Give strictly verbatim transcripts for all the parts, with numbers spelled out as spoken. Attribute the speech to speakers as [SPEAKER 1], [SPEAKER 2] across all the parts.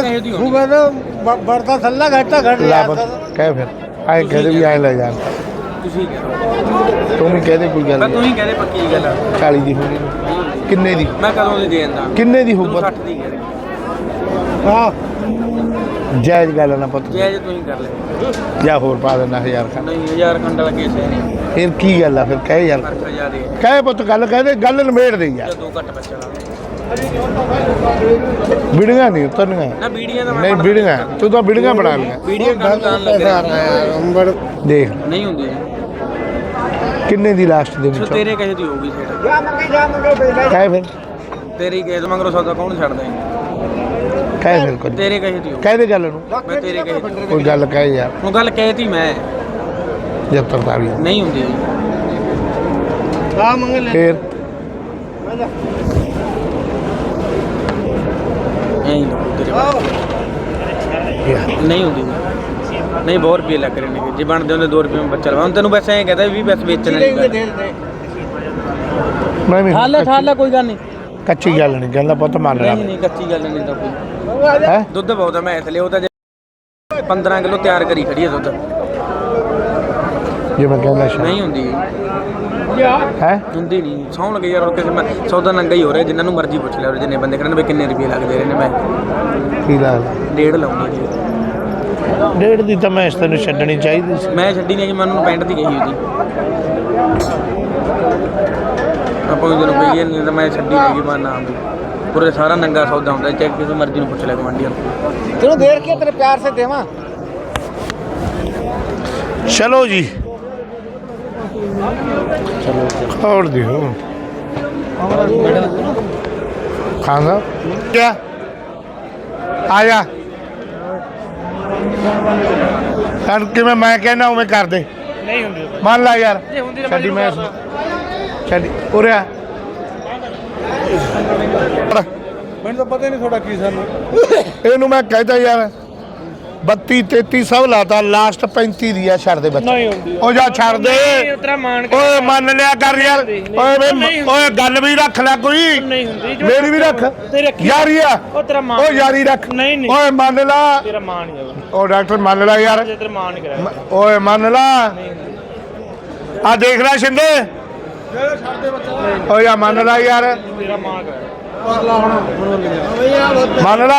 [SPEAKER 1] बढ़ता थल्ला घटता घट
[SPEAKER 2] कह फिर आए कहते भी आए ले जान
[SPEAKER 3] ਤੁਸੀਂ ਕਹਿ
[SPEAKER 2] तू भी कहते कोई गल
[SPEAKER 3] ਮੈਂ ਤੂੰ ਹੀ ਕਹਦੇ ਪੱਕੀ ਗੱਲ ਆ
[SPEAKER 2] चाली दी होगी किन्ने दी
[SPEAKER 3] ਮੈਂ ਕਦੋਂ ਦੀ ਦੇ ਦਿੰਦਾ
[SPEAKER 2] किन्ने दी होगी
[SPEAKER 3] ਸੱਠ ਦੀ ਕਹਿ ਰਿਹਾ
[SPEAKER 1] हाँ
[SPEAKER 2] जायज गल ना पुत
[SPEAKER 3] ਜੇ ਜੇ ਤੂੰ ਹੀ ਕਰ ਲੈ
[SPEAKER 2] या होर पा देना हजार खंड
[SPEAKER 3] ਨਹੀਂ ਹਜ਼ਾਰ ਖੰਡ ਲੱਗੇ ਸੇ ਨਹੀਂ
[SPEAKER 2] फिर की गल है फिर कह यार
[SPEAKER 3] ਫਰਕ ਹਜ਼ਾਰ ਦੇ
[SPEAKER 2] कह पुत गल कह दे गल नमेड़ दे यार
[SPEAKER 3] ਦੋ ਘੱਟ ਬੱਚਾ ਲਾ
[SPEAKER 2] बिड़ियां नहीं उतरनियां
[SPEAKER 3] ਨਾ ਬੀੜੀਆਂ ਦਾ ਮੈਂ
[SPEAKER 2] नहीं बिड़ियां तू तो बिड़ियां बना लिया
[SPEAKER 3] ਬੀੜੀਆਂ ਕੰਮ ਕਰਨ ਲੱਗੇ
[SPEAKER 2] देख
[SPEAKER 3] ਨਹੀਂ ਹੁੰਦੀ
[SPEAKER 2] किन्ने दी लास्ट देनी
[SPEAKER 3] ਸੋ
[SPEAKER 2] चो
[SPEAKER 3] ਤੇਰੇ ਕਹੇ ਦੀ ਹੋਊਗੀ ਸੇਠ
[SPEAKER 2] कह फिर
[SPEAKER 3] ਤੇਰੀ ਕਹੇ ਤੋਂ ਮੰਗਰੋ ਸੌਦਾ ਕੌਣ ਛੱਡਦਾ
[SPEAKER 2] कह फिर कुछ
[SPEAKER 3] ਤੇਰੇ ਕਹੇ ਦੀ ਹੋਊ
[SPEAKER 2] कह दे गल नू
[SPEAKER 3] ਮੈਂ ਤੇਰੇ ਕਹੇ ਦੀ
[SPEAKER 2] कोई गल कह यार
[SPEAKER 3] ਉਹ ਗੱਲ ਕਹਿਤੀ ਮੈਂ
[SPEAKER 2] जब तरताली
[SPEAKER 3] ਨਹੀਂ ਹੁੰਦੀ
[SPEAKER 1] हाँ मंगल
[SPEAKER 2] फिर
[SPEAKER 3] ਨਹੀਂ ਤੇਰੇ
[SPEAKER 2] यार
[SPEAKER 3] ਨਹੀਂ ਹੁੰਦੀ ਨਹੀਂ ਬਹੁਤ ਰੁਪਏ ਲੱਗ ਰਹੇ ਨੇ ਜੇ ਬਣਦੇ ਹੁੰਦੇ ਦੋ ਰੁਪਏ ਮੈਂ ਬੱਚਾ ਲਵਾ ਹੁਣ ਤੈਨੂੰ ਬਸ ਐਂ ਕਹਦਾ ਵੀ ਬਸ ਵੇਚਣ ਵਾਲੀ ਗੱਲ
[SPEAKER 2] मैं भी
[SPEAKER 3] ਠਾਲ ਲੈ ਠਾਲ ਲੈ ਕੋਈ ਗੱਲ ਨਹੀਂ
[SPEAKER 2] कच्ची गल नहीं कहना पुत मान ला
[SPEAKER 3] ਨਹੀਂ ਨਹੀਂ ਕੱਚੀ ਗੱਲ ਨਹੀਂ ਤਾਂ ਕੋਈ
[SPEAKER 2] है
[SPEAKER 3] ਦੁੱਧ ਬਹੁਤ ਆ ਮੈਂ ਇਸ ਲਈ ਉਹ ਤਾਂ ਜੇ ਪੰਦਰਾਂ ਕਿਲੋ ਤਿਆਰ ਕਰੀ ਖੜੀ ਹੈ ਦੁੱਧ
[SPEAKER 2] ये मैं कहना शायद
[SPEAKER 3] ਨਹੀਂ ਹੁੰਦੀ
[SPEAKER 2] है
[SPEAKER 3] ਹੁੰਦੀ ਨਹੀਂ ਸੌਣ ਲੱਗੇ ਯਾਰ ਉਹ ਕਿਸੇ ਮੈਂ ਸੌਦਾ ਨੰਗਾ ਹੀ ਹੋ ਰਿਹਾ ਜਿੰਨਾਂ ਨੂੰ ਮਰਜ਼ੀ ਪੁੱਛ ਲਿਆ ਜਿੰਨੇ ਬੰਦੇ ਕਰਨ ਵੀ ਕਿੰਨੇ ਰੁਪਏ ਲੱਗਦੇ ਰਹੇ ਨੇ ਮੈਂ
[SPEAKER 2] की लाल
[SPEAKER 3] ਡੇਢ ਲਾਉਂਦੀ ਜੀ
[SPEAKER 2] डेढ़ दी तो मैं इस तेन छड्डनी चाहिए सी
[SPEAKER 3] ਮੈਂ ਛੱਡੀ ਨਹੀਂ ਕਿ ਮੈਂ ਉਹਨੂੰ ਪੈਂਟ ਦੀ ਕਹੀ ਉਹਦੀ ਆਪਾਂ ਜਦੋਂ ਪਈਏ ਨਹੀਂ ਤਾਂ ਮੈਂ ਛੱਡੀ ਨਹੀਂ ਕਿ ਮੈਂ ਨਾ ਵੀ ਪੂਰੇ ਸਾਰਾ ਨੰਗਾ ਸੌਦਾ ਹੁੰਦਾ ਚਾਹੇ ਕਿਸੇ ਮਰਜ਼ੀ ਨੂੰ ਪੁੱਛ ਲੈ ਗਵਾਂਢੀਆਂ ਨੂੰ
[SPEAKER 1] तेरे देर के तेरे प्यार से देवा
[SPEAKER 2] चलो जी और देखो खाना क्या आया कर के मैं मैं कहना हूँ मैं कर दे
[SPEAKER 3] ਨਹੀਂ ਹੁੰਦੀ
[SPEAKER 2] मान ला यार छड़ी मैं छड़ी उरे
[SPEAKER 1] मैंने तो पता ही नहीं थोड़ा की सानू
[SPEAKER 2] ਇਹਨੂੰ ਮੈਂ ਕਹਿੰਦਾ ਯਾਰ ਬੱਤੀ ਤੇਤੀ ਸਭ ਲਾਤਾ ਲਾਸਟ ਪੈਂਤੀ ਦੀ ਆ ਛੱਡ ਦੇ ਬੱਚਾ
[SPEAKER 3] ਨਹੀਂ ਹੁੰਦੀ
[SPEAKER 2] ਉਹ ਜਾ ਛੱਡ ਦੇ
[SPEAKER 3] ਉਤਰਾ ਮਾਨ
[SPEAKER 2] ਓਏ ਮੰਨ ਲਿਆ ਕਰ ਯਾਰ ਓਏ ਵੇ ਓਏ ਗੱਲ ਵੀ ਰੱਖ ਲੈ ਕੋਈ
[SPEAKER 3] ਨਹੀਂ ਹੁੰਦੀ
[SPEAKER 2] ਮੇਰੀ ਵੀ ਰੱਖ ਯਾਰੀ ਆ
[SPEAKER 3] ਉਹ ਤੇਰਾ ਮਾਨ
[SPEAKER 2] ਓ ਯਾਰੀ ਰੱਖ
[SPEAKER 3] ਨਹੀਂ ਨਹੀਂ
[SPEAKER 2] ਓਏ ਮੰਨ ਲਾ
[SPEAKER 3] ਤੇਰਾ ਮਾਨ ਨਹੀਂ ਹੈਗਾ
[SPEAKER 2] ਓ ਡਾਕਟਰ ਮੰਨ ਲਾ ਯਾਰ
[SPEAKER 3] ਜੇ ਤੇਰਾ ਮਾਨ ਨਹੀਂ ਕਰਾਇਆ
[SPEAKER 2] ਮ- ਓਏ ਮੰਨ ਲਾ ਆ ਦੇਖ ਲੈ ਸ਼ਿੰਦੇ ਓ ਯਾ ਮੰਨ ਲਾ ਯਾਰ
[SPEAKER 3] ਤੇਰਾ ਮਾਨ ਕਰਾਇਆ
[SPEAKER 2] ਮੰਨ ਲਾ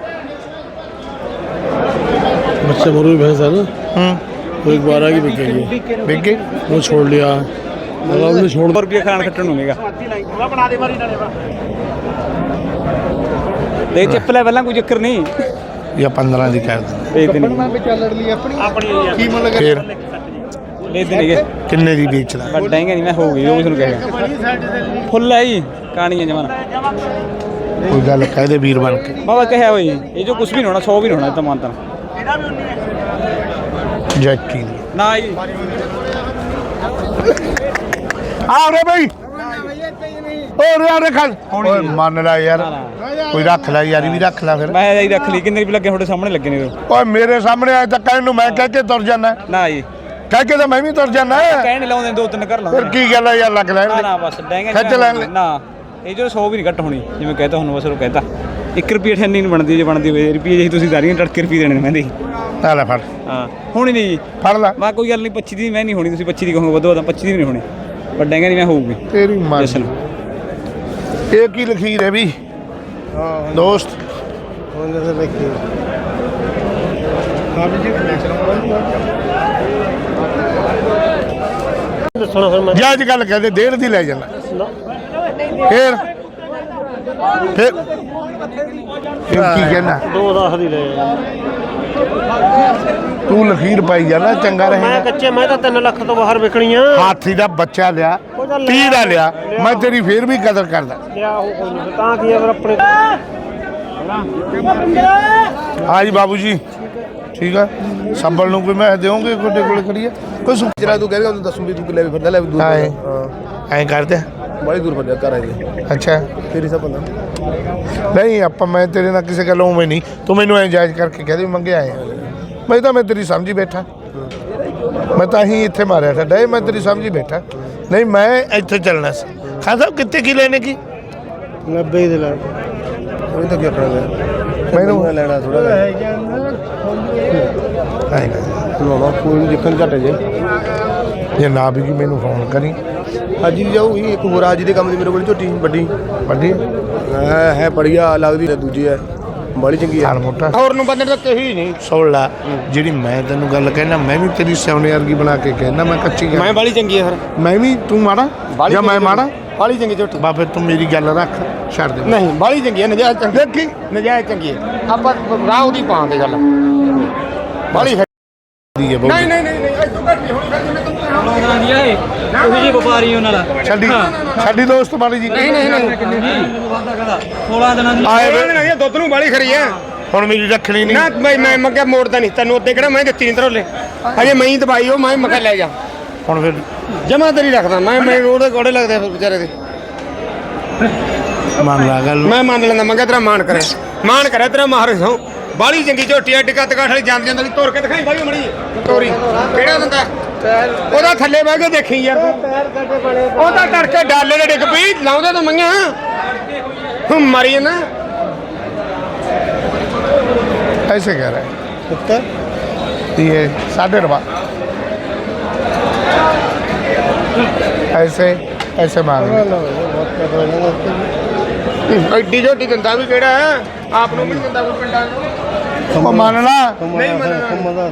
[SPEAKER 1] बच्चे मरू भैंस है ना
[SPEAKER 2] ਹੂੰ
[SPEAKER 1] वो एक बारह की बिकेगी
[SPEAKER 2] ਬਿੱਗ ਗਈ
[SPEAKER 1] वो छोड़ लिया मतलब उसने छोड़
[SPEAKER 3] ਰੁਪਏ ਖਾਣ ਖੱਟਣ ਨੂੰ ਨਹੀਂਗਾ ਦੇ ਚਿੱਪ ਲੈ ਪਹਿਲਾਂ ਕੋਈ ਚੱਕਰ ਨਹੀਂ
[SPEAKER 2] ਜਾਂ ਪੰਦਰਾਂ ਦੀ ਕਰ ਦੇ
[SPEAKER 3] ਵੇਚ ਦੇ ਨਹੀਂ
[SPEAKER 1] ਚੱਲ ਲਈ ਆਪਣੀ
[SPEAKER 3] ਆਪਣੀ
[SPEAKER 1] ਕੀ ਮੁੱਲ
[SPEAKER 2] ਫਿਰ
[SPEAKER 3] ਵੇਚ ਦੇ ਨਹੀਂ
[SPEAKER 2] ਕਿੰਨੇ ਦੀ ਵੇਚਦਾ
[SPEAKER 3] ਵੱਡਾਂਗੇ ਨਹੀਂ ਮੈਂ ਹੋ ਗਈ ਉਹ ਤੁਹਾਨੂੰ ਕਹੇਗਾ ਫੁੱਲ ਹੈ ਜੀ ਕਾਣੀਆਂ ਜਮਾਨਾ
[SPEAKER 2] ਕੋਈ ਗੱਲ ਕਹਿ ਦੇ ਵੀਰ ਬਣ ਕੇ
[SPEAKER 3] ਬਾਬਾ ਕਹਿਆ ਹੋਈ ਇਹ ਜੋ ਕੁਝ ਵੀ ਨਹੀਂ ਹੋਣਾ ਸੌ ਵੀ ਨਹੀਂ ਹੋਣਾ ਤਾਂ ਮਾਨਤਾ
[SPEAKER 2] ਜੈਕੀ ਦੀ
[SPEAKER 3] ਨਾ ਜੀ
[SPEAKER 2] ਆ ਰੇ ਬਈ ਓ ਰੇ ਰੇ ਖਲ ਓਏ ਮੰਨ ਲੈ ਯਾਰ ਕੋਈ ਰੱਖ ਲੈ ਯਾਰੀ ਵੀ ਰੱਖ ਲੈ ਫਿਰ
[SPEAKER 3] ਮੈਂ ਇਹੀ ਰੱਖ ਲਈ ਕਿੰਨੇ ਰੁਪਏ ਲੱਗੇ ਤੁਹਾਡੇ ਸਾਹਮਣੇ ਲੱਗੇ ਨੇ
[SPEAKER 2] ਓਏ ਮੇਰੇ ਸਾਹਮਣੇ ਆਏ ਤਾਂ ਕਹਿਣ ਨੂੰ ਮੈਂ ਕਹਿ ਕੇ ਤੁਰ ਜਾਣਾ
[SPEAKER 3] ਨਾ ਜੀ
[SPEAKER 2] ਕਹਿ ਕੇ ਤਾਂ ਮੈਂ ਵੀ ਤੁਰ ਜਾਣਾ
[SPEAKER 3] ਕਹਿਣ ਨਹੀਂ ਲਾਉਂਦੇ ਦੋ ਤਿੰਨ ਘਰ
[SPEAKER 2] ਫਿਰ
[SPEAKER 3] ਲਾਉਂਦੇ
[SPEAKER 2] ਕੀ ਗੱਲ ਆ ਯਾਰ ਲੱਗ ਲੈ
[SPEAKER 3] ਨਾ ਨਾ ਬਸ ਡੈਂਗੇ
[SPEAKER 2] ਖਿੱਚ ਲੈਣ ਲੈ।
[SPEAKER 3] ਨਾ ਇਹ ਜੋ ਸੌ ਵੀ ਨਹੀਂ ਘੱਟ ਹੋਣੀ ਜਿਵੇਂ ਕਹਤਾ ਹੁਣ ਬਸ ਉਹ ਕਹਤਾ ਇੱਕ ਰੁਪਏ ਠੰਨੀ ਨਹੀਂ ਬਣਦੀ ਜੇ ਬਣਦੀ ਹੋਵੇ ਰੁਪਏ ਜੇ ਤੁਸੀਂ ਦਾਰੀਆਂ ਟੜਕੇ ਰੁਪਏ ਦੇਣੇ ਨੇ ਮਹਿੰਦੀ
[SPEAKER 2] ਆ ਲੈ ਫੜ
[SPEAKER 3] ਹਾਂ ਹੋਣੀ ਨਹੀਂ ਜੀ
[SPEAKER 2] ਫੜ ਲੈ
[SPEAKER 3] ਮੈਂ ਕੋਈ ਗੱਲ ਨਹੀਂ ਪੱਚੀ ਦੀ ਮੈਂ ਨਹੀਂ ਹੋਣੀ ਤੁਸੀਂ ਪੱਚੀ ਦੀ ਕਹੋਗੇ ਵਧੋ ਤਾਂ ਪੱਚੀ ਦੀ ਵੀ ਨਹੀਂ ਹੋਣੀ ਪਰ ਡੈਂਗੇ ਨਹੀਂ ਮੈਂ ਹੋਊਗੀ
[SPEAKER 2] ਤੇਰੀ ਮਾਂ
[SPEAKER 3] ਜਸ਼ਨ
[SPEAKER 2] ਇਹ ਕੀ ਲਖੀਰ ਹੈ ਵੀ ਦੋਸਤ
[SPEAKER 1] होने से लिखी हाँ जी सुनो फिर मैं
[SPEAKER 2] ਜੇ ਅੱਜ ਗੱਲ ਕਹਦੇ ਡੇਢ ਦੀ ਲੈ ਜਾਣਾ ਫਿਰ ਫਿਰ ਫਿਰ ਕੀ ਕਹਿਣਾ
[SPEAKER 1] दो दस दी ले
[SPEAKER 2] ਤੂੰ ਲਖੀਰ ਪਾਈ ਜਾਣਾ ਚੰਗਾ
[SPEAKER 1] मैं
[SPEAKER 2] ਰਹੇਗਾ
[SPEAKER 1] कच्चे मैं तो तीन लाख तो बाहर बिकनी है
[SPEAKER 2] ਹਾਥੀ ਦਾ ਬੱਚਾ ਲਿਆ ਤੀਹ ਦਾ ਲਿਆ ਮੈਂ ਤੇਰੀ ਫੇਰ ਵੀ ਕਦਰ ਕਰਦਾ
[SPEAKER 1] लिया हो कोई नहीं ता की अगर अपने
[SPEAKER 2] ਹਾਂ ਜੀ ਬਾਬੂ ਜੀ ਠੀਕ ਆ ਸੰਭਲ ਨੂੰ ਕੋਈ ਮੈਂ ਦੇਵਾਂਗੇ ਕੋਡੇ ਕੋਲੇ ਖੜੀਏ ਕੋਈ ਸੁ
[SPEAKER 4] ਜਿਹੜਾ ਤੂੰ ਕਹੇਗਾ ਉਹਨੂੰ ਦੱਸੂ ਵੀ ਤੂੰ ਲੈ ਵੀ ਫਿਰਦਾ ਲੈ ਵੀ ਦੂਰ
[SPEAKER 2] ਹਾਂ
[SPEAKER 4] ਹਾਂ
[SPEAKER 2] ਐਂ ਕਰਦੇ
[SPEAKER 4] ਬੜੀ ਦੂਰ ਫਿਰਦਾ ਘਰ ਆਈ
[SPEAKER 2] ਅੱਛਾ
[SPEAKER 4] ਤੇਰੀ ਸਭ ਬੰਦਾ
[SPEAKER 2] ਨਹੀਂ ਆਪਾਂ ਮੈਂ ਤੇਰੇ ਨਾਲ ਕਿਸੇ ਗੱਲੋਂ ਉਵੇਂ ਨਹੀਂ ਤੂੰ ਮੈਨੂੰ ਐਂ ਜਾਇਜ਼ ਕਰਕੇ ਕਹਿ ਦੇ ਮੰਗੇ ਆਏ ਆ। ਮੈਂ ਤਾਂ ਮੈਂ ਤੇਰੀ ਸਮਝੀ ਬੈਠਾ ਮੈਂ ਤਾਂ ਹੀ ਇੱਥੇ ਮਾਰਿਆ ਸਾਡਾ ਇਹ ਮੈਂ ਤੇਰੀ ਸਮਝੀ ਬੈਠਾ ਨਹੀਂ ਮੈਂ ਇੱਥੇ ਚੱਲਣਾ ਸੀ ਖਾਨ ਸਾਹਿਬ ਕਿੱਥੇ ਕੀ ਲੈਣੇ ਕੀ
[SPEAKER 1] नब्बे ही दिला
[SPEAKER 4] ਉਹ ਤਾਂ ਕੀ ਆਪਣਾ
[SPEAKER 2] ਮੈਨੂੰ
[SPEAKER 4] ਲੈਣਾ ਥੋੜਾ ਲਾਉਣਾ ਕੋਈ ਨਹੀਂ ਦੇਖਣ ਘਟੇ ਜੇ
[SPEAKER 2] ਜੇ ਨਾ ਵੀ ਮੈਨੂੰ ਫੋਨ ਕਰੀ
[SPEAKER 4] ਹਾਜੀ ਦੀ ਜਾਊਗੀ ਇੱਕ ਹੋਰ ਹਾਜੀ ਦੇ ਕੰਮ ਦੀ ਮੇਰੇ ਕੋਲ ਝੋਟੀ ਵੱਡੀ
[SPEAKER 2] ਵੱਡੀ
[SPEAKER 4] ਹੈ ਹੈ ਬੜੀਆ ਲੱਗਦੀ ਹੈ ਦੂਜੀ ਹੈ ਬੜੀ ਚੰਗੀ ਹੈ
[SPEAKER 2] ਹਾਲ ਮੋਟਾ
[SPEAKER 4] ਹੋਰ ਨੂੰ ਬੰਦੇ ਤਾਂ ਕਹੀ ਨਹੀਂ
[SPEAKER 2] ਸੁਣ ਲਾ ਜਿਹੜੀ ਮੈਂ ਤੈਨੂੰ ਗੱਲ ਕਹਿਣਾ ਮੈਂ ਵੀ ਤੇਰੀ ਸੋਨੇ ਵਰਗੀ ਬਣਾ ਕੇ ਕਹਿਣਾ ਮੈਂ ਕੱਚੀ
[SPEAKER 4] ਮੈਂ
[SPEAKER 2] ਗੱਲ
[SPEAKER 4] ਬੜੀ ਚੰਗੀ ਹੈ ਫਿਰ
[SPEAKER 2] ਮੈਂ ਵੀ ਤੂੰ ਮਾੜਾ ਜਾਂ ਮੈਂ ਮਾੜਾ
[SPEAKER 4] ਬੜੀ ਚੰਗੀ ਝੋਟੀ
[SPEAKER 2] ਬਾ ਫਿਰ ਤੂੰ ਮੇਰੀ ਗੱਲ ਰੱਖ ਛੱਡ ਦੇ
[SPEAKER 4] ਨਹੀਂ ਬੜੀ ਚੰਗੀ ਹੈ ਨਜਾਇਜ਼ ਚੰਗੀ ਦੇਖੀ ਨਜਾਇਜ਼ ਚੰਗੀ ਹੈ ਆਪਾਂ ਰਾਹ ਉਹਦੀ ਪਾਉਣ ਦੀ ਗੱਲ ਬੜੀ
[SPEAKER 2] ਦੀ ਹੈ ਬਹੁਤ
[SPEAKER 4] ਨਹੀਂ ਨਹੀਂ ਨਹੀਂ ਨਹੀਂ ਤੂੰ ਘੱਟ ਨਹੀਂ ਹੋਣੀ ਫਿਰ ਜਿਵੇਂ ਤੂੰ
[SPEAKER 3] ਲੋਕਾਂ ਦੀ ਆਏ ਉਹੀ ਜੀ ਵਪਾਰੀ ਉਹਨਾਂ ਦਾ
[SPEAKER 2] ਛੱਡੀ ਛੱਡੀ ਦੋਸਤ ਬਾਲੀ ਜੀ
[SPEAKER 4] ਨਹੀਂ ਨਹੀਂ ਨਹੀਂ
[SPEAKER 3] ਸੋਲਾਂ ਦਿਨਾਂ ਦੀ
[SPEAKER 2] ਆਏ ਵੇ,
[SPEAKER 4] ਨਹੀਂ ਦੁੱਧ ਨੂੰ ਬਾਲੀ ਖਰੀ ਹੈ
[SPEAKER 2] ਹੁਣ ਮੇਰੀ ਰੱਖਣੀ ਨਹੀਂ
[SPEAKER 4] ਨਾ ਮੈਂ ਮੈਂ ਮੰਗਿਆ ਮੋੜਦਾ ਨਹੀਂ ਤੈਨੂੰ ਉੱਤੇ ਕਿਹੜਾ ਮੈਂ ਦਿੱਤੀ ਨਹੀਂ ਤਰੋਲੇ ਅਜੇ ਮੈਂ ਹੀ ਦਵਾਈ ਉਹ ਮੈਂ ਮਗਾ ਲੈ ਜਾ
[SPEAKER 2] ਹੁਣ ਫਿਰ
[SPEAKER 4] ਜਮਾ ਤੇਰੀ ਰੱਖਦਾ ਮੈਂ ਮੈਂ ਉਹਦੇ ਕੋੜੇ ਲੱਗਦੇ ਫਿਰ ਵਿਚਾਰੇ ਦੇ
[SPEAKER 2] ਮੰਨ ਲਾ ਗੱਲ
[SPEAKER 4] ਮੈਂ ਮੰਨ ਲੈਂਦਾ ਮੰਗਿਆ ਤੇਰਾ ਮਾਣ ਕਰੇ ਮਾਣ ਕਰੇ ਤੇਰਾ ਮਾਰ ਸੋ ਬਾਲੀ ਚੰਗੀ ਝੋਟੀ ਆ ਟਿਕਾ ਟਿਕਾ ਵਾਲੀ ਜਾਂਦੀ ਜਾਂਦੀ ਤੋੜ ਕੇ ਦਿਖਾਈ ਬਾਈ ਮੜੀ ਤੋਰੀ ਕਿਹੜਾ ਦਿੰਦਾ ਉਹਦਾ ਥੱਲੇ ਬਹਿ ਕੇ ਦੇਖੀ ਯਾਰ ਤੂੰ ਉਹਦਾ ਤੜਕੇ ਡਾਲੇ ਦੇ ਡਿੱਗ ਪਈ ਲਾਉਂਦੇ ਤਾਂ ਮੰਗਿਆ ਹੂੰ ਮਰੀ ਨਾ
[SPEAKER 2] ऐसे कह रहा है कितना ये साढ़े रुपया ऐसे ऐसे मांग
[SPEAKER 4] ਐਡੀ ਝੋਟੀ ਦਿੰਦਾ ਵੀ ਕਿਹੜਾ ਹੈ ਆਪ ਨੂੰ ਵੀ ਨੀ ਦਿੰਦਾ ਕੋਈ ਪਿੰਡਾਂ ਨੂੰ
[SPEAKER 2] वो मान ला
[SPEAKER 4] ਨਹੀਂ ਮੰਨਣਾ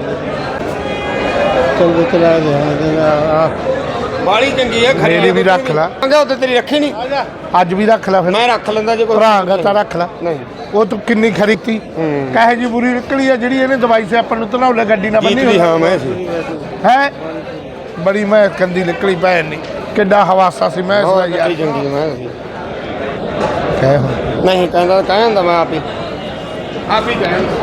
[SPEAKER 4] ਬਾਲੀ ਚੰਗੀ ਹੈ ਖਰੀ
[SPEAKER 2] ਮੇਰੀ ਵੀ ਰੱਖ ਲਾ।
[SPEAKER 4] ਮੰਗਿਆ ਉੱਤੇ ਤੇਰੀ ਰੱਖੀ ਨਹੀਂ
[SPEAKER 2] आज भी रख ला फिर
[SPEAKER 4] ਮੈਂ ਰੱਖ ਲੈਂਦਾ ਜੇ ਕੋਈ
[SPEAKER 2] ਭਰਾਂਗਾ ਤਾਂ ਰੱਖ ਲਾ
[SPEAKER 4] ਨਹੀਂ
[SPEAKER 2] ਉਹ ਤੂੰ ਕਿੰਨੀ ਖਰੀਦੀ ਕਹੇ ਜੀ ਬੁਰੀ ਨਿਕਲੀ ਆ ਜਿਹੜੀ ਇਹਨੇ ਦਵਾਈ ਸੇ ਆਪਾਂ ਨੂੰ ਧਨੌਲੇ ਗੱਡੀ ਨਾਲ ਬੰਨੀ
[SPEAKER 4] ਜੀਤ ਵੀ ਹਾਂ ਮੈਂ ਸੀ
[SPEAKER 2] ਹੈ ਬੜੀ ਮੈਂ ਕੰਦੀ ਨਿਕਲੀ ਭੈਣ ਨਹੀਂ ਕਿੱਡਾ ਹਵਾਸਾ ਸੀ ਮੈਂ ਇਸ ਦਾ
[SPEAKER 4] ਬਹੁਤ
[SPEAKER 2] ਯਾਰ
[SPEAKER 4] ਚੰਗੀ ਮੈਂ ਸੀ
[SPEAKER 2] ਕਹਿ ਹੁਣ
[SPEAKER 4] ਨਹੀਂ ਕਹਿੰਦਾ ਕਹਿੰਦਾ ਮੈਂ ਆਪ ਹੀ ਆਪ ਹੀ ਕਹਿੰਦਾ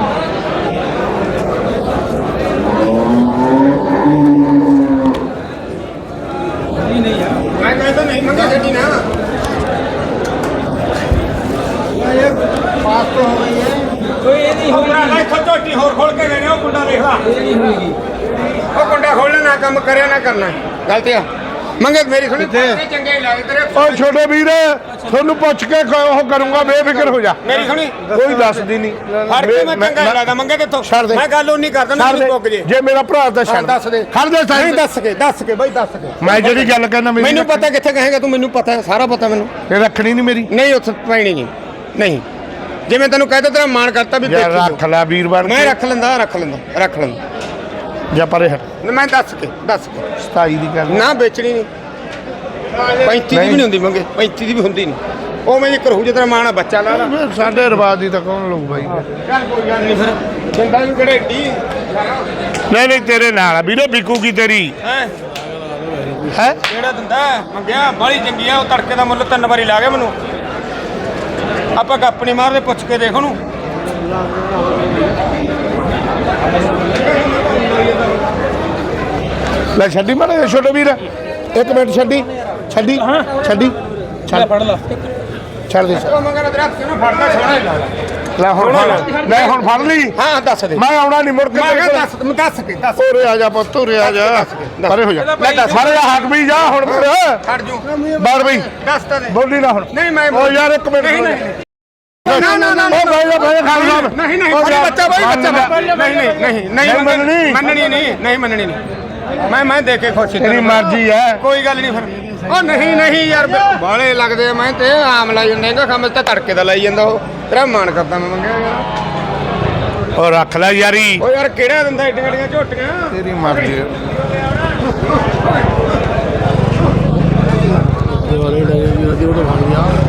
[SPEAKER 4] ਮੈਂ ਕਹਿੰਦਾ ਨਹੀਂ ਮੰਗਾ ਗੱਡੀ ਨਾ ਪਾਸ ਤੋਂ ਹੋ ਗਈ ਹੈ
[SPEAKER 3] ਕੋਈ ਇਹ ਨਹੀਂ
[SPEAKER 4] ਆਪਣਾ ਲੈ ਝੋਟੀ ਹੋਰ ਖੋਲ ਕੇ ਲੈਣੇ ਉਹ ਕੁੰਡਾ ਦੇਖ ਲਾ
[SPEAKER 3] ਇਹ ਨਹੀਂ ਹੋਏਗੀ
[SPEAKER 4] ਉਹ ਕੁੰਡਾ ਖੋਲਣਾ ਨਾ ਕੰਮ ਕਰਿਆ ਨਾ ਕਰਨਾ ਗਲਤੀ ਆ ਮੰਗੇ ਮੇਰੀ ਸੁਣੀ ਚੰਗੇ ਹੀ ਲੱਗਦੇ ਤੇਰੇ
[SPEAKER 2] ਓ ਛੋਟੇ ਵੀਰ ਤੁਹਾਨੂੰ ਪੁੱਛ ਕੇ ਕ- ਉਹ ਕਰੂੰਗਾ ਬੇਫਿਕਰ ਹੋ ਜਾ
[SPEAKER 4] ਮੇਰੀ ਸੁਣੀ
[SPEAKER 2] ਕੋਈ ਦੱਸਦੀ ਨਹੀਂ
[SPEAKER 4] ਹਰ ਕੇ ਮੈਂ ਚੰਗਾ ਹੀ ਲੱਗਦਾ ਮੰਗੇ ਕਿੱਥੋਂ
[SPEAKER 2] ਛੱਡ ਦੇ।
[SPEAKER 4] ਮੈਂ ਗੱਲ ਉਹ ਨਹੀਂ ਕਰਦਾ ਨਾ
[SPEAKER 2] ਛੱਡ
[SPEAKER 4] ਮੈਨੂੰ ਪੁੱਗ ਜੇ
[SPEAKER 2] ਦੇ ਜੇ ਮੇਰਾ ਭਰਾ ਤਾਂ ਛੱਡ
[SPEAKER 4] ਦੱਸ ਦੇ
[SPEAKER 2] ਖੜ ਦੇ
[SPEAKER 4] ਨਹੀਂ
[SPEAKER 2] ਸਾਈਡ
[SPEAKER 4] ਦੱਸ ਕੇ ਦੱਸ ਕੇ ਬਈ ਦੱਸ ਕੇ
[SPEAKER 2] ਮੈਂ ਜਿਹੜੀ ਗੱਲ ਕਹਿੰਦਾ ਮੇਰੀ
[SPEAKER 4] ਮੈਨੂੰ ਪਤਾ ਕਿੱਥੇ ਕਹੇਗਾ ਤੂੰ ਮੈਨੂੰ ਪਤਾ ਹੈ ਸਾਰਾ ਪਤਾ ਮੈਨੂੰ
[SPEAKER 2] ਇਹ ਰੱਖਣੀ ਨਹੀਂ ਮੇਰੀ
[SPEAKER 4] ਨਹੀਂ ਉੱਥੇ ਪੈਣੀ ਨਹੀਂ ਨਹੀਂ ਜਿਵੇਂ ਤੈਨੂੰ ਕਹਿ ਤਾ ਤੇਰਾ ਮਾਣ ਕਰਤਾ ਵੀ
[SPEAKER 2] ਯਾਰ
[SPEAKER 4] ਦੇਖੀ
[SPEAKER 2] ਰੱਖ ਲੈ ਵੀਰ ਬਣ
[SPEAKER 4] ਮੈਂ
[SPEAKER 2] ਕੇ
[SPEAKER 4] ਰੱਖ ਲੈਂਦਾ ਰੱਖ ਲੈਂਦਾ ਰੱਖ ਲੈਂਦਾ
[SPEAKER 2] ਜਾਂ ਪਰੇ ਹਟ
[SPEAKER 4] ਮੈਂ ਦੱਸ ਕੇ ਦੱਸ ਕੇ
[SPEAKER 2] ਸਤਾਈ ਦੀ ਗੱਲ
[SPEAKER 4] ਨਾ ਵੇਚਣੀ ਨਹੀਂ ਪੈਂਤੀ ਦੀ ਵੀ ਨਹੀਂ ਹੁੰਦੀ ਮੰਗੇ ਪੈਂਤੀ ਦੀ ਵੀ ਹੁੰਦੀ ਨਹੀਂ ਉਹ ਮੈਂ ਕਰੂ ਜੇ ਤੇਰਾ ਮਾਣ ਆ ਬੱਚਾ ਲਾ ਲਾ
[SPEAKER 2] ਸਾਡੇ ਰਿਵਾਜ ਦੀ ਤਾਂ ਕੌਣ ਲੋਕ ਬਾਈ
[SPEAKER 4] ਚੱਲ ਕੋਈ ਗੱਲ ਨਹੀਂ ਫਿਰ ਚਿੰਤਾ ਵੀ ਕਿਹੜੇ ਢੀ
[SPEAKER 2] ਨਹੀਂ ਨਹੀਂ ਤੇਰੇ ਨਾਲ ਵੀਰੋ ਵਿਕੂਗੀ ਤੇਰੀ
[SPEAKER 4] ਹੈ
[SPEAKER 2] ਹੈ
[SPEAKER 4] ਕਿਹੜਾ ਦਿੰਦਾ ਮੰਗਿਆ ਬਾਲੀ ਚੰਗੀ ਆ ਉਹ ਤੜਕੇ ਦਾ ਮੁੱਲ ਤਿੰਨ ਵਾਰੀ ਲਾ ਗਿਆ ਮੈਨੂੰ ਆਪਾਂ ਗੱਪ ਨਹੀਂ ਮਾਰਦੇ ਪੁੱਛ ਕੇ ਦੇਖ ਉਹਨੂੰ
[SPEAKER 2] ਲੈ ਛੱਡੀ ਮਾੜਾ ਛੋਟੇ ਵੀਰ ਇੱਕ ਮਿੰਟ ਛੱਡੀ ਛੱਡੀ ਛੱਡੀ ਛੱਡ
[SPEAKER 3] ਫੜ ਲਾ
[SPEAKER 2] ਛੱਡ ਦੇ
[SPEAKER 4] ਉਹ ਮੰਗਣਾ ਤੇਰਾ ਹੱਥ ਕਿਉਂ ਫੜਦਾ ਸੋਹਣਾ ਹੀ ਲੱਗਦਾ
[SPEAKER 2] ਲੈ ਹੁਣ ਫੜ ਲੈ ਹੁਣ ਫੜ ਲਈ
[SPEAKER 4] ਹਾਂ ਦੱਸ ਦੇ
[SPEAKER 2] ਮੈਂ ਆਉਣਾ ਨਹੀਂ ਮੁੜ ਕੇ
[SPEAKER 4] ਮੈਂ
[SPEAKER 2] ਤੇਰੇ
[SPEAKER 4] ਕਿਹਾ
[SPEAKER 2] ਕੋਲ।
[SPEAKER 4] ਦੱਸ ਦੱਸ ਕੇ ਦੱਸ
[SPEAKER 2] ਉਰੇ ਆ ਜਾ ਪੁੱਤ ਉਰੇ ਆ ਜਾ ਪਰੇ ਹੋ ਜਾ
[SPEAKER 4] ਲੈ ਦੱਸ।
[SPEAKER 2] ਪਰੇ ਆ ਹੱਕ ਵੀ ਜਾ ਹੁਣ ਫਿਰ
[SPEAKER 4] ਛੱਡ ਜੂ
[SPEAKER 2] ਬਾਹਰ ਬਈ
[SPEAKER 4] ਦੱਸ ਤਾਂ ਦੇ
[SPEAKER 2] ਬੋਲੀ ਨਾ ਹੁਣ
[SPEAKER 4] ਨਹੀਂ ਮੈਂ
[SPEAKER 2] ਓ ਯਾਰ ਇੱਕ ਮਿੰਟ
[SPEAKER 4] ਨਹੀਂ ਨਹੀਂ ਨਾ ਨਾ ਨਾ
[SPEAKER 2] ਓ ਭਾਈ ਦਾ ਭਾਈ ਖਾਨ ਸਾਹਿਬ
[SPEAKER 4] ਨਹੀਂ ਨਹੀਂ
[SPEAKER 2] ਓ
[SPEAKER 4] ਬੜੀ
[SPEAKER 2] ਯਾਰ,
[SPEAKER 4] ਬੱਚਾ ਬਾਈ ਬੱਚਾ
[SPEAKER 2] ਮੰਨ
[SPEAKER 4] ਨਹੀਂ ਨਹੀਂ ਨਹੀਂ ਨਹੀਂ
[SPEAKER 2] ਨਹੀਂ ਮੰਨਣੀ।
[SPEAKER 4] ਮੰਨਣੀ ਨਹੀਂ ਨਹੀਂ ਮੰਨਣੀ ਨਹੀਂ ਮੈਂ ਮੈਂ ਦੇਖ ਕੇ ਖੁਸ਼ ਸੀ
[SPEAKER 2] ਤੇਰੀ
[SPEAKER 4] ਤੈਨੂੰ।
[SPEAKER 2] ਮਰਜ਼ੀ ਹੈ
[SPEAKER 4] ਕੋਈ ਗੱਲ ਨਹੀਂ ਫਿਰ ਉਹ ਨਹੀਂ ਨਹੀਂ ਯਾਰ ਬਾਲੇ ਲੱਗਦੇ ਆ, ਮੈਂ ਤੇ ਆਮ ਲਾਈ ਜਾਂਦਾ ਹੈਗਾ ਕੰਮ ਤੇ ਤੜਕੇ ਦਾ ਲਾਈ ਜਾਂਦਾ ਉਹ ਤੇਰਾ ਮਾਣ ਕਰਦਾ ਮੈਂ ਮੰਗਿਆ ਯਾਰ
[SPEAKER 2] ਓ ਰੱਖ ਲੈ ਯਾਰੀ
[SPEAKER 4] ਉਹ ਯਾਰ ਕਿਹੜਾ ਦਿੰਦਾ ਏਡੀਆਂ ਏਡੀਆਂ ਝੋਟੀਆਂ
[SPEAKER 2] ਤੇਰੀ ਮਰਜ਼ੀ ਹੈ
[SPEAKER 4] ਉਹਦੇ ਵਾਲੇ ਲੱਗੇ ਵੀ ਉਹਦੇ ਬਣ ਗਿਆ